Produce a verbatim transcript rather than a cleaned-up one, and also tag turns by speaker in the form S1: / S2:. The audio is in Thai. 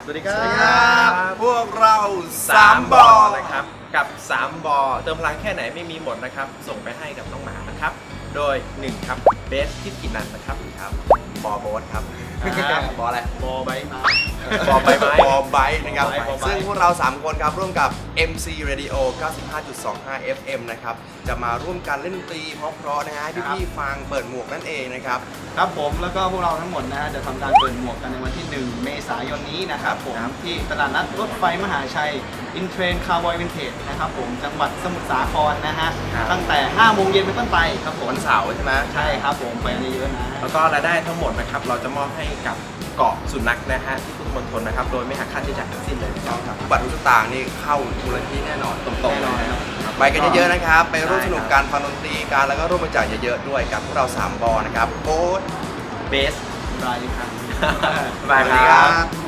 S1: วัสดีครั
S2: สวัสดีครับ
S1: บพวกเราสา
S2: สาม ม
S1: บบ อ
S2: อ
S1: นะ
S2: นะ
S1: ค
S2: ค
S1: รั
S2: รับ บกับสามบอเติมพลังแค่ไหนไม่มีหมดนะครับส่งไปให้กับน้องหมานะครับโดยหนึ่งครับเบสทิกินันนะครับครับ
S1: บอโบ๊ทครับ
S2: อ่า
S1: บออะไร
S2: บอใบไม้
S1: บอใบไม้บอไบค์นะครับ
S2: บอไบค์บอไบค์
S1: ซึ่งพวกเราสามคนครับร่วมกับ เอ็ม ซี Radio เก้าสิบห้าจุดสองห้า เอฟ เอ็ม นะครับจะมาร่วมกันเล่นดนตรีเพราะๆนะฮะให้พี่ๆฟังเปิดหมวกนั่นเองนะครับ
S3: ครับผมแล้วก็พวกเราทั้งหมดนะฮะจะทำการเปิดหมวกกันในวันที่ หนึ่ง เมษายนนี้นะครับผมที่ตลาดนัดรถไฟมหาชัยอินเทรนคาร์บอยวินเทจนะครับผมจังหวัดสมุทรสาครนะฮะตั้งแต่ห้าโมงเย็นเป็นต้นไปครับผม
S1: วันเสาร์ใช่ไหม
S3: ใช่ครับผมไปกันเยอะๆนะ
S2: แล้วก็รายได้ทั้งหมดนะครับเราจะมอบให้กับเกาะสุนัขนะฮะที่พุทธมณฑลนะครับโดยไม่หักค่าใช้จ่ายทั้งสิ้นเลยนะครับ
S1: บัตรทุกสตางค์นี่เข้ามูลนิธิแน่นอนตรง
S3: แน่
S1: ๆ
S3: นอน
S1: เลย
S3: ครับ
S1: ไปกันเยอะๆนะครับ ไปร่วม
S2: ใช่
S1: สนุก
S2: ครับ
S1: การฟังดนตรีกันแล้วก็ร่วมบริจาคเยอะๆด้วยกับพวกเราสามบอนะครับโค้ด
S2: เบส
S3: รายครับ
S2: บาย
S1: สวัสดี
S2: ค
S1: ครั
S2: รับ
S1: บ